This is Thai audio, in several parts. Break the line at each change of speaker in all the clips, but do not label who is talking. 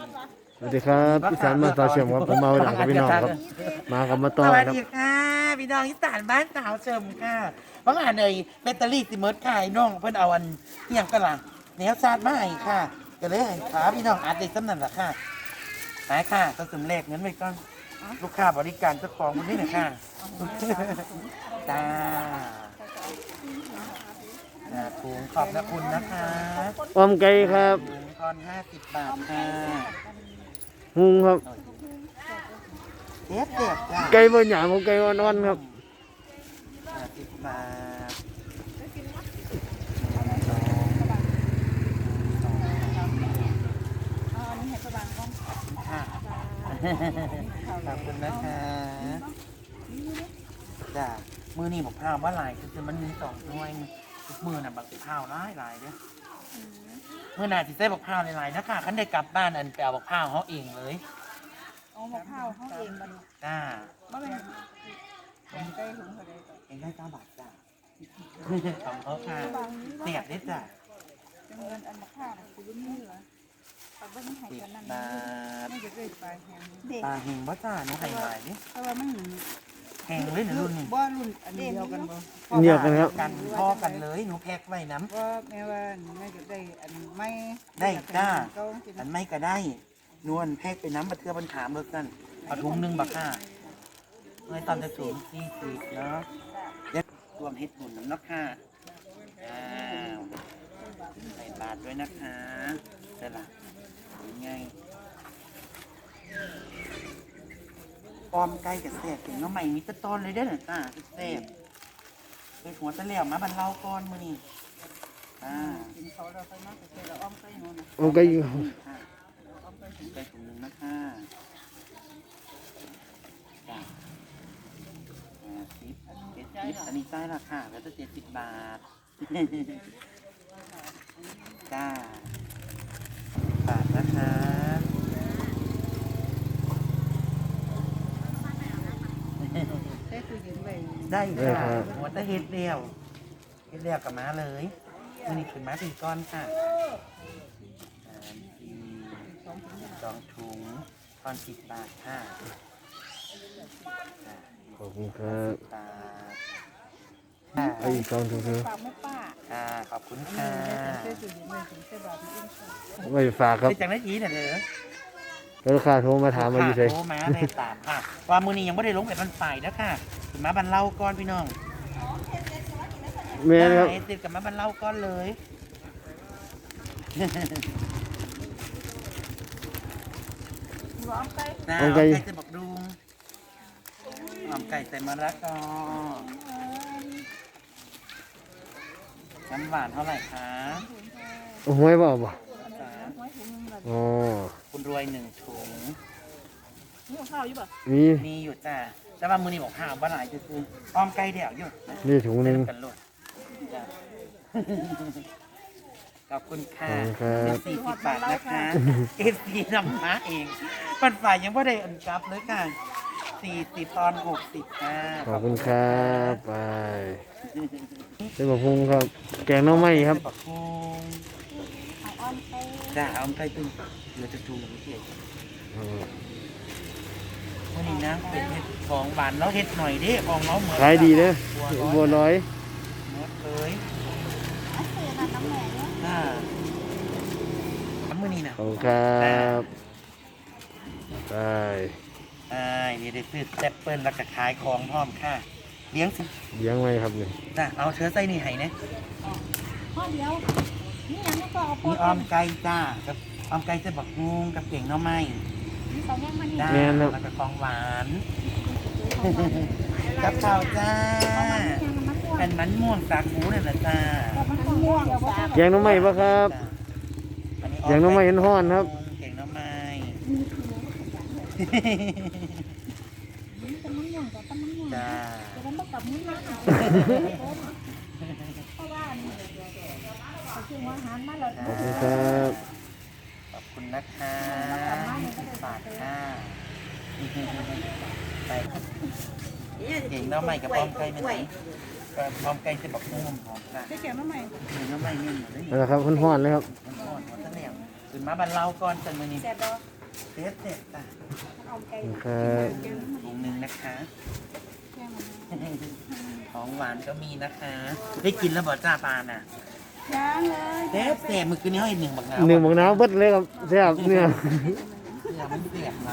สวัสดีครับอีสานมาตาเชื่อมครับผมมาหลังกับพี่น้องครับมากับมาต่อ
สวัส
ครับ
ดีค่ะพี่น้องอีสานบ้านสาวเชิมค่ะเพราะงานเลยแบตเตอรี่สิเมิร์ดค่ะไอ้น้องเพิ่นเอาอันอหย่างกันล่ะแนวชาติมาให้ค่ะก็เลยให้ขาพี่น้องอัดได้สำนันละค่ะไปค่ะก็สมเลขเงินไว้ก่อนลูกค้าบริการเจ้าของคนนี้หน่อยค่ะจ้าถุงขอบคุณนะคะ
ออมไก่ครับ
ถุงทอน50 บาทค่ะ
หุงครับ
เด็ดเด็ดจ้า
ไก่บนหยามของไก่อ่อนๆครับ
50 บาทค่ะขอบคุณนะคะจ้ามือนี่บอกพาวว่าลายคือมันมี2หน่วยทุกมือน่ะบักพาวหลายเด้อมือหน้าที่ใส่บักพาวหลายๆนะคะคันได้กลับบ้านอันไปเอาบักพาวเขาเองเลย
เอามะพร้าวเขาเองมัน
จ้า
บ่เป็นแกงไก่ถุงเขาได้
เองได้9 บาทจ้าของเขาค่ะเสียบได้จ้า
จังเงินอันมะพร้าวน่ะคือบ่มีเหลือเอาเบิ่งให้กันนั่น
10 บาท
ไม่จะได้ปลาแห้งเด็ก
ปลาเฮงบ่จ้าหนูให้หลายดิ
เพราะว่ามัน
แหงเลยนะรุ่นนี้
บ่รุ่นอันเดียวกันบ่
เดียวกันครับ
กันพ่อกันเลยหนูแพ็กไว้น้
ว่าแม่ว่าแม่จะได้อันไม่
ได้จ้า
เก็สิ
ำอันไม่ก็ได้นวลแพ็กไปน้ำบัดเทือบันถามรถกันเอาถุงหนึ่งบักค่ะเมื่อตอนจะถุง40เนาะเดี๋ยวรวมเฮ็ดบุญน้ำเนาะค่ะอ้าวใส่บาทด้วยนะคะได้ละยังไงออมไก่กับแซ่บถึงน้องใหม่มีแตะตอนเลยได้อเหรอจ้าแซ่บไปหัวตะเหลี่ยมมาบรรเลาก่อนมื้อนี้
กินเขาเราไปมาใส่ละอ้อมไก่โน่นน่ะ
ออมไก่
ค่ะไปถุงหนึ่งนะคะจ้ะ70อันนี้ใต้ราคาแล้วจะ70 บาท จ้าบาทนะคะ
ได้ตู้เย็นไว้
ได้ค่ะหัวตะเฮ็ดเดียวกับม้าเลยนี่คือม้า4 ก้อนค่ะ2 ถุงตอน10 บาทค่ะ
ขอบคุณครับ
บาท
ไอ้อีกสองถุงคือ
ฝากแม่ป้า
ค่ะขอบคุณค่ะ
ได้ตู้เย็นไว้ถึงใส่บาทนี่เองค่ะ
ไว้ฝากครับ
ไปจากนาทีเนี่ยเถอะ
แล้วลูกค้าโทรมาถามมาอยู่ไส
โทรมาได้ตามค่ะว่ามือนี้ยังไม่ได้ลงไปบันฝ่ายนะค่ะถึงมาบันเล่าก้อนพี่น้อง
แม่นครับ
ได้ติดกับมาบันเล่าก้อนเลย
อ้อมไก่
นะเอาไก่จะบอกดุงหอมไก่ใส่มะระกอน้ำหวานเท่าไหร่คะ
เอาห้วยบ่บ่
จ้า
ไว้ถุงนึงละ
อ๋อ
คุณรวย1 ถุง
นี่ข้าวอยู่ป่ะ
มี
มีอยู่จ้าแต่ว่ามือนี้บอกห้ามว่าหลายจะคืออ้อมไก่เดี่ยวอยู่
นี่ถุงหนึง
กันโลดจ้าขอบคุณค่ะ
ขอบคุณครับ
เป็น40 บาทนะคะเอฟซีนำมาเองปันฝ่ายยังไม่ได้อันกลับเลยค่ะ40 ตอน 60ค่ะ
ขอบคุณครับไปเป็นบะพุงครับ แกงหน้องไม้ครับ
บักฮง
เอาอ้อมไก่
จ้าเอาไก่ตึงเหลือจะจูงเกียร
อืม
วันนี้นะเป็นเห็ดของหวานแล้วเห็ดหน่อยดิของเราเหมือน
ขายดีเด้อบัวร้อย
หมดเลย
เอาเสือน้ำแหม่เนี่ย
ทำมือนี้นะ
ขอบคุณครับไป
นี่ได้ซื้อแซปเปิลแล้วก็ขายของพร้อมค่ะเลี้ยงสิ
เลี้ยงไว้ครับนี่
จ้าเอาเชื้อไส้นี่ให้นะ
ข้อเดียวนี่ยังไม่ก็เอาโพ
มี
ด
อ้อมไก่จ้ากับอ้อมไก่จะบักฮงกับเก่งหน้ำไม้
มีสองอย่างมันนี่
จ้าแล้วก็ของหวานกับข้าวจ้าเป็นมันม่วงสาคูนั่นแหละจ้า
มันม่วงสาม
แกงหน้องไม้ปะครับ แกงหน้ำไม้เห็นห้อนครับ
แกงหน้ำไม้
เป็นมันม่วงกับต้นมันม่วง
จ้า
แต่มันไม่กับมือนะเพราะว่าเขาชื่อว่าอาหารมาแล้ว
ขอบคุณครับ
ขอบคุณนะคะ10 บาทค่ะไปเก่งหน้ำไม้กับอ้อมไก่เป็นไหนอ้อมไก่จะบอกนุ่มหอมค่ะ
ได้แก่มาใหม่
เก่งหน้ำไม้เนี่ยเหมือนได้
นั่นแหละครับห้อนๆเลยครับ
มันอ่อนหัวตะเหลี่ยมขึ้นมาบันเล่าก่อนจันมือนี้
แซ่บดอก
เด็ดเด็ดจ้ะ
เอาไก่
ครับ
ถุงหนึ่งนะคะ
แค่มัน
ของหวานก็มีนะคะ ได้กินแล้วบ่จ้าปลาน่ะ
ย่างเลย
เด็ดเด็ดมือคืนนี้ให้หนึ่งบักน้ำ
หนึ่งบักน้ำเบิดเลยครับแซ่บเนี่ย
เดี๋ยวมันเสียบไหม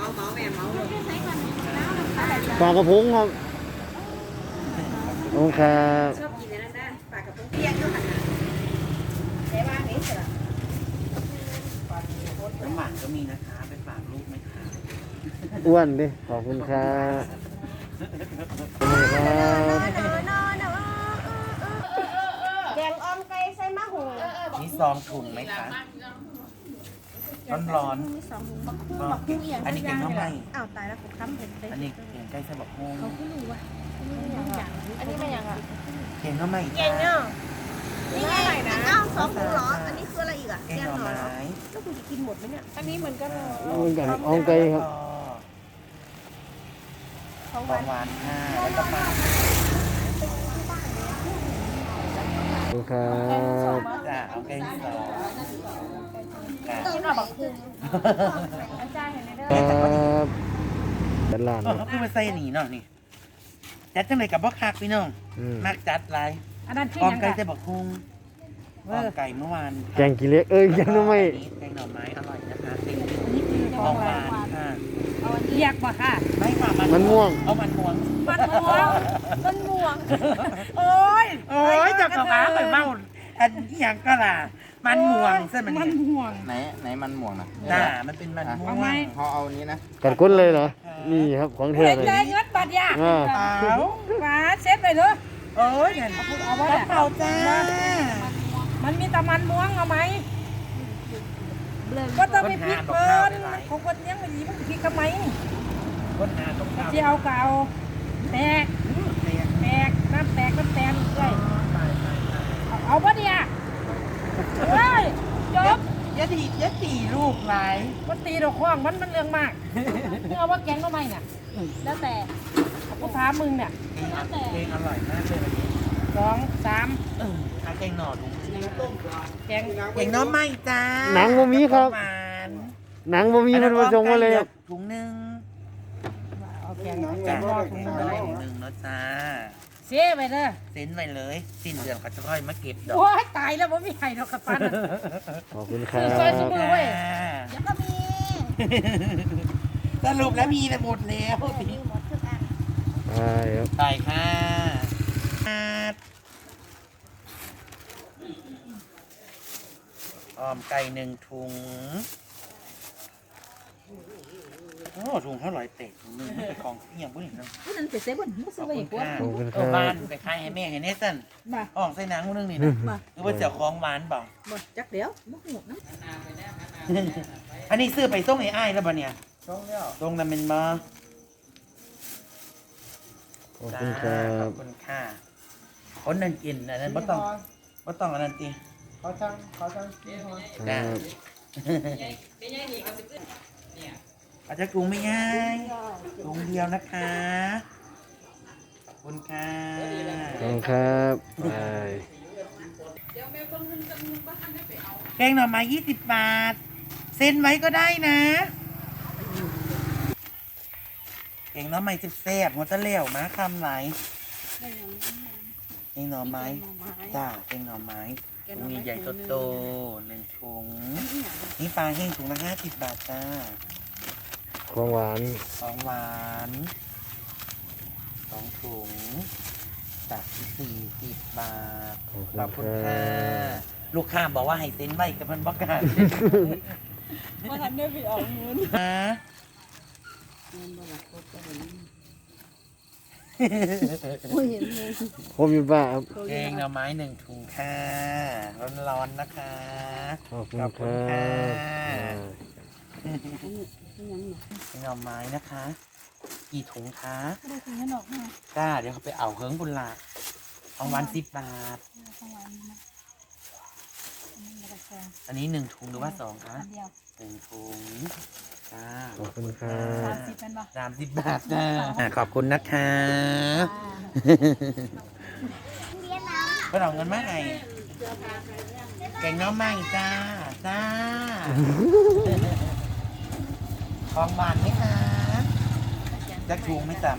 ปลากระพงครับโอ้ครับ
ชอบกินอันนั้นนะปลากระพงเปียกด้วยค่ะแต่ว่านี้เสร็จแล้ว
น้ำหวานก็มีนะคะ เป็นฝากลูกไหมคะ
อ้วนดิขอบคุณครับขอบคุณครับ
แกงออมไก่ใส่มะฮู
มีซองถุงไหมคะ ร้อน
มีสองถุงบักคู่บักคู่อย่าง
อันนี้แกงข้าวไหม้
อ้าวตายแล้วผมค้ำเห็ดเลย
อันนี้แกงไก่ใส่บักฮง
เขาขึ้นรู้ว่าอันนี้ไม่ยังอ่ะ
แกงข้าวไหม้
เก่งเนาะนี่ไงนะอ้าวสองถุงเหรออันนี้คืออะไรอีกอ่ะ
แกงหน่อไม้
ก็คุณจะกินหมดไหมเนี่ยอันนี้เหมือนกัน
เหมือนกันอ้อมไก่ครับ
ของ
ของหวานค่ะแล้วก็ปลา
ขอบคุณครับ
จ้ะเอาแกงสองค่ะ
กินเอาบักคู่อาจารย์เห็นไหมเด้
ค
อ
รับเป็นร้าน
เอ
เนาะ
อคือมาใส่หนีเนาะนี่ จัดจังเลยกับบ่คักพี่น้อง
อืม
มากจัดไร
อันนั้นคือ
ออม
ยัง
ไก่
ไง
ใส่บักฮงออมไก่เมื่อวาน
แกงกี่เล็กเอ้ยแกงหน้ำไม่
แกงหน่อไม้อร่อยนะคะติด
นี่คือ
ข
ข
อ
อง ง
ห
ห
วาว
าน
ค่ะ
เรียกบ่ค่ะ
ไม่ค่ะ
มันม่วง
เอามันม่วง
มันม่วงมันม่วง โอ้ย
โอ้ยเจับกระป๋าไปเมาอันนี้ยังก็ล่ะ มันม่วงใช่ไหม
มันม่วง
ไหนมันม่วงนะ
จ้ามันเป็นมันม่วง
เขาเอานี้นะ
กัดก้นเลยเหรอนี่ครับของเธอ
เห็น
เลย
เลยเงินบัตรยา
อ่า
เอา
ฝาเซ็ตไปเลย
โอ้ยนั่น
เอาไว้
กระเป๋าจ้า
มันมีแต่มันม่วงเอาไหมก็ต้องไปพริกเพิ่นของคนยังไม่ดีมันพริกทำไม
คนหาตรงข้าว
ที่เอาเก่าแตกแตกน้ำแตกน้ำแตนเลยเอาปะเนี่ยเฮ้ยจบ
ยะตีลูกไร
มันตีดอกข้องมันเรื่องมากมึงเอาว่าแกงทำไมเนี่ยแล้วแต่กูถามมึงเนี่ย
เพลงอร่อยมากเลยวันนี้
สองสาม
อาแกงหน่อดู
แกง
แกงน้อไม่จ้า
หนังบ่มีครับ
หวาน
หนังบ่มีมันมาส่งมาเลยครับ
ถุงหนึ่ง
เอาแกง
จ้า
แกงรอด
แก
ถุง
ง
เล
น้อย ถุงหนึ่งเนาะจ้า
เสียไปเลย
เซ็นไว้เลยสิ้นเดือนเขาจะค่อยมาเก็บดอก
โอ้ยตายแล้วผมไม่ให้ดอกขับปัน
ขอบคุณครับ
ซอยสุมือเว้ย
จ้า
เดี๋ยวก็มี
สรุปแล้วมีแต่หมดแล้ว
มีหมดทุกอัน
ใช่ครับ
ไปค่ะออมไก่หนึ่งถุงโอ้ถุงเท่าไหร่เตะถุงหนึงมันเป็นของเอี่ยงบุ้นเนาะ
ผู้นั้นเป็นเซเว่นผู้
ข
ซื้
อ
อบ ไป
คุ
อี
ณ
กว่า
ค่ะ
ขอบคุณค
เออ
รั
บ้าน
บ
ไปขายให้แม่ให้เนสัน
มา
อ่องใส่หนังนึงนี่นะ
มา
หรือว่าเจ้าของหวานเปล่า
หมดจักเดี๋ยวมุกหมดนะ
อันนี้ซื้อไปส่งไอ้อ้ายแล้วป่ะเนี่ย
ช่องแล้ว
ส่งนำเป็นมา
ขอบคุณครับ
ขอบคุณค่ะคนนั่นกินอันนั้นบ่ต้องอันนั้นตี
เขาช่างนี่พอ
ครับ
อาจจะกรุงไม่ง่ายกรุงเดียวนะคะขอบคุณค่ะ
ขอบคุณครับไป
แกงหน่อไม้20 บาท เซ็นไว้ก็ได้นะแกงหน่อไม้แซ่บๆหัวตะเหลี่ยวมาคำไหนแกงหน่อไม้จ้าแกงหน่อไม้ถุงใหญ่ๆโตๆหนึ่งถุงนี่ปลาแห้งถุงละ50 บาทจ้า
ของหวาน
ของหวาน2 ถุงจาก40 บาท
ขอบ
ขอบ
คุ
คุณ
ณค
ค่ะ
รับ
ลูกค้าบอกว่าให้เซ็นไว้กับมันบอกกัน
มาทำได้ไปออกเงิน
ฮะ
โอ้ยเห็นเลย
ผมอยู่บ้านครับ
แกงหน่อไม้1 ถุงค่ะร้อนๆนะคะ
ขอบคุณ
ขอบ
ค
คุณ
รั
ค่ะ
บ
แกงหน่อไม้นะคะ กี่ถุงคะ
ได้ถึงขนมมา
จ้าเดี๋ยวเขาไปเอาเฮิงบุญละของหวาน10 บาท
ของหวานนะอันนี้กระแซง
อันนี้1 ถุงหรือว่า2คะ
อันเดียว
1 ถุงจ้า
ขอบคุณครั
สา
บ
มสิบเป็นปะ
30 บาทจ้าขอบคุณนะคะก็เอาเงินมาให้แกงหน้อไม้จ้าจ้าของหวานไหมคะจะถูกไหมจ๊ะ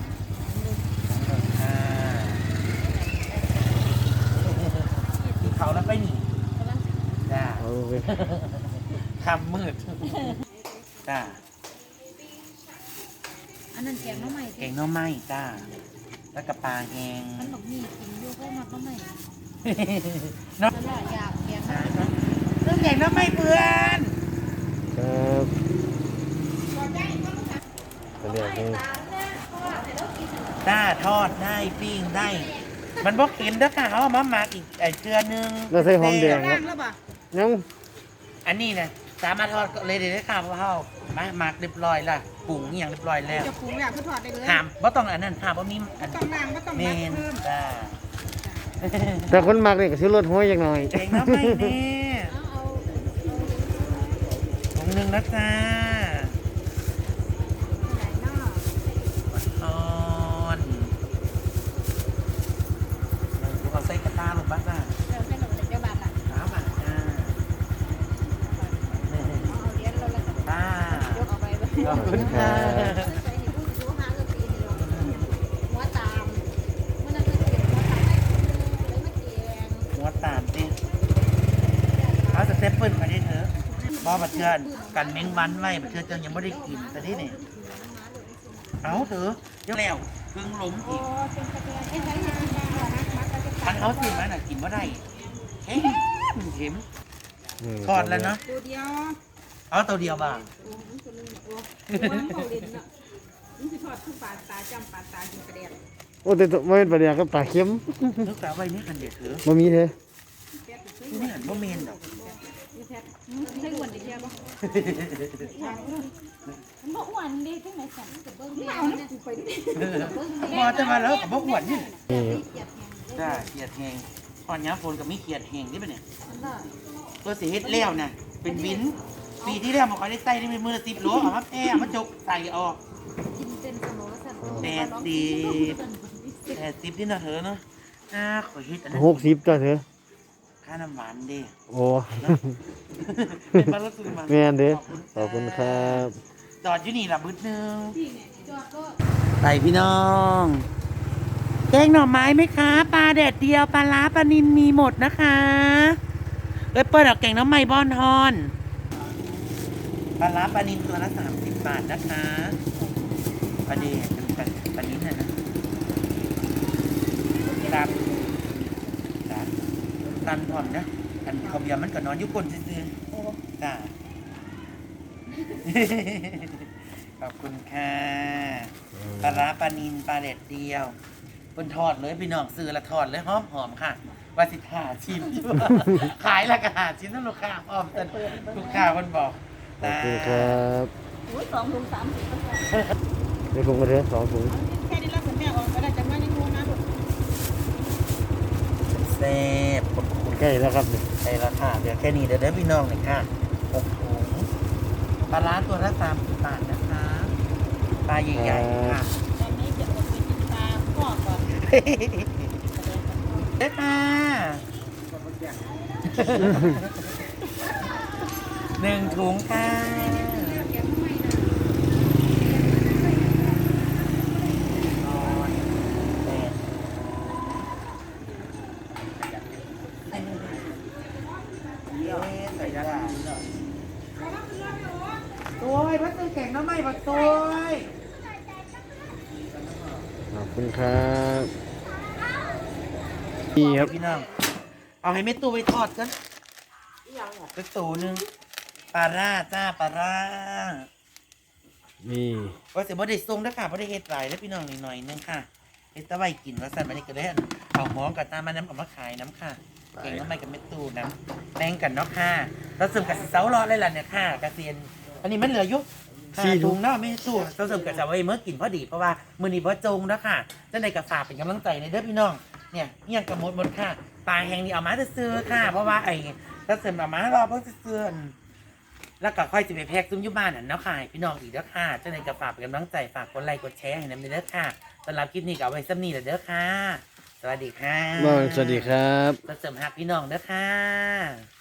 กินเขาแล้วไปหนีจ้า
เอาไป
คำมืดจ้า
อันนั้นแกงน้องใหม่
เก่งน้องไม้จ้าแล้วกับปลาแหง
มันบอกมีกินอยู่เพราะมันน้องใหม่
เนาะ
ตลอดอยากแกง
เรื่องเก่งน้องไม้เพื่อน
ครับก็เรียกนี่
จ้าทอดได้ปิ้งได้ มันบอกเห็นเด้อค่ะเขาเอามาหมักอีกไอ้เกลือนึง
เราใส่หอมแดงครับยัง
อันนี้นะสามารถทอดเลยเดี๋ยวได้ค่ะเพราะเขามาหมักเรียบร้อยละปรุงอหย่างเรียบร้อยแล้ว
จะปรุงอยากคือถอดได้เลย
หามว่าต้องอันนั้นหามว่ามีอัน
ต้องล้างก็ต้อง
เม
ล้าง
น
เพิ่ม
จ้า
แต่คนมักนี่ก็ซื้อรถห้อยจักหน่อย
เก่งน้องไม้เนี่ยถุงหนึ่งนะจ้าอ่อนเอาใส่กระตาลงบ้างจ้า
เราให้เราเลยเจ้าบ้านละ
น้ำอ่ะจ้า
เอาเลี้ยงเราแล้วก็
จ้าย
กเอาไปไว้
ขอบคุณค่ะ
ใส่ให้ผู้สูงหาเงินปีเดียวหัวตามมันจะเป็นหัวตามได้เลยมาแกง
หัวตามสิเอาสเต็ปเปิ้ลมาได้เถอะบ่บัดเทือนกันเม้งวันไว้บัดเทือนเจ้ายังไม่ได้กินแต่ที่นี่เอาเถอะยังแล้วเพิ่งล้ม
โอ้
อีก
เป็นตะแกรงใช้ให้กินได้เหรอนะมัดเราจะ
ทันเขาซื้อมาน่ะกินว่าได้เข็มเข็ม
นี่
ทอดแล้วเนาะ
ตัวเดียว
เอาตัวเดียวบ้าง
มันตัวนึงมันเขาเล่นเนาะมันจะทอดคือปลาตาจำปลาตากินกระเดียด
โอ้แต่ไม่เป็นประเดี๋ยวก็ปลาเค็ม
นึกแต่ไว้นี่กันเด็ดเถอะ
บ่มีเด้อ
นี่หันบ่เมนดอก
นี่แท้ใช่อ้วนได้แค่ปะมันบอกอ้วนดีจังไหนสั่งกับเบิ้งเดียวเนี่ยไปดิ
พอจะมาแล้วกับบ่อ้วนนี่
นี่
จ้าเขียดแหงตอนย้ำฝนกับมีเขียดแหงนี่ปะเนี่ยตัวสีเฮ็ดแล้วน่ะเป็นวินปีที่แล้วมันคอยได้ใส่ได้เป็นมือละ10 โลเอามาแพ้มาจกใส่ออก
กินเป็นสมองสั่น
80นี่นะเถอะเนาะขอเฮ็ดอันนั้น
60จ้ะเถอะ
ค่าน้ำหวานเด้
โอ้
เป็นบ้านรถซื้อมา
แม่นเด้อขอบคุณครับ
จอดอยู่นี่ละบึ้ดนึง
จอดก็
ไปพี่น้องแกงหน่อไม้ไหมคะปลาแดดเดียวปลาล้าปลานิลมีหมดนะคะเอ้ยเปิดเอาแกงน้ำไม้บอนฮอนปลาล้าปลานิลตัวละ30 บาทนะคะปลาเดดเป็นปลานิลนะครับครับตันผ่อนนะอันเขาเบียร์มันก็นอนอยู่ก้นซื่อๆจ้า ขอบคุณค่ะปลาร้าปลานิลปลาเด็ดเดียวบนทอดเลยพี่น้องซื้อละทอดเลยหอมๆค่ะว่าสิหาชิมอยู่ ขายละก็หาชิ้นนั่นลูกค้าพร้อมแต่ลูกค้าคนบอก
ขอบคุณครับ
โอ้ย2 ถุง 30ก็พอ
เดี๋ยวผมก็เถอะ2ถุง
แค่นี้แล้วคุณแม่ออกก็ได้จากบ้านยังงูนะ
แซ่บขอบคุณ
ใกล้แล้วครับนี่
ใช่ละค่ะเดี๋ยวแค่นี้เดี๋ยวพี่น้องหน่อยค่ะ6 ถุงปลาร้าตัวละ30 บาทนะคะปลาใหญ่ๆค่ะ
ตอนนี้จะอดไปกินปลาพ่อก่อน
เด้อค่ะ1 ถุงค่ะตัวพัดซื้อแข่งน้ำไม่ปัดตัว
ขอบคุณครับนี่ครับ
พี่น้องเอาให้เม็ดตู้ไปทอดกันสักตัวหนึ่งปลาร่าจ้าปลาร่า
นี่
ว่าแต่บ่ได้ทรงนะค่ะบ่ได้เฮ็ดหลายแล้วพี่น้องหน่อยนึงค่ะเฮ็ดตะไว้กินว่าสั่นมานี่ก็ได้เอาหอมกับตามาน้ำเอามาขายน้ำค่ะเก่งน้ำไม่กับเม็ดตู้น้ำแบ่งกันเนาะค่ะเราเสริมกับเสารอเลยล่ะเนี่ยค่ะกระเซียนอันนี้มันเหลือยุ4 ถุงเนาะไม่ตู้เราเสริมกับจะไว้เมื่อกินพอดีเพราะว่ามื้อนี้บ่จงนะค่ะจังได๋ก็ฝากเป็นกำลังใจในเด้อพี่น้องเนี่ยเฮียงกับหมดค่ะปลาแห้งนี่เอามาซื้อค่ะเพราะว่าไอ้เราเสริมเอามารอเพิ่นซื้อแล้วก็ค่อยจะไปแพ็กซุ้มยุบ้านน่ะเนาะค่ะพี่น้องอีกเด้อค่ะจังได๋ก็ฝากเป็นกำลังใจฝากกดไลค์กดแชร์ให้นำเด้อค่ะสำหรับคลิปนี้ก็เอาไว้ซ้ำนี้แหละเด้อค่ะสวัสดีค่ะ
สวัสดีครับ
เราเสริมหักพี่น้องเด้อค่ะ